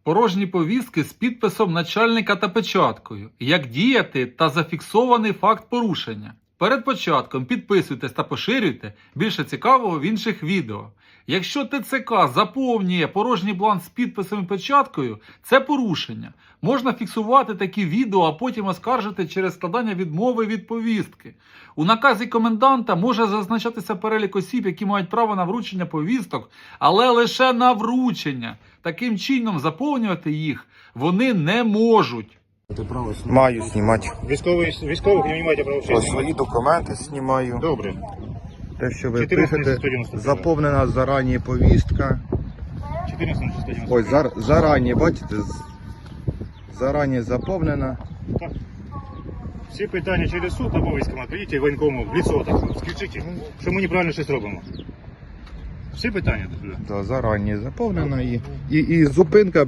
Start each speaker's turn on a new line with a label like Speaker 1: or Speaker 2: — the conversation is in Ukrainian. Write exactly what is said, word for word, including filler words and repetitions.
Speaker 1: порожні повістки з підписом начальника та печаткою. Як діяти та зафіксований факт порушення. Перед початком підписуйтесь та поширюйте, більше цікавого в інших відео. Якщо ТЦК заповнює порожній бланк з підписом і печаткою, це порушення. Можна фіксувати такі відео, а потім оскаржити через складання відмови від повістки. У наказі коменданта може зазначатися перелік осіб, які мають право на вручення повісток, але лише на вручення. Таким чином заповнювати їх вони не можуть.
Speaker 2: Маю знімати.
Speaker 3: Військовий, військових не маєте права
Speaker 2: Ось
Speaker 3: вчити.
Speaker 2: свої документи знімаю.
Speaker 3: Добре.
Speaker 2: Те, що ви
Speaker 3: чотирнадцять
Speaker 2: пишете,
Speaker 3: сто дев'яносто два.
Speaker 2: заповнена зарані повістка.
Speaker 3: чотирнадцять сто дев'яносто.
Speaker 2: Ось зар, зарані, бачите, з- зарані заповнена.
Speaker 3: Так. Всі питання через суд або військкомат. Прийдіть воєнкому в лицо, так скажіть, що ми неправильно щось робимо. Всі питання.
Speaker 2: Да, зарані заповнена і, і, і зупинка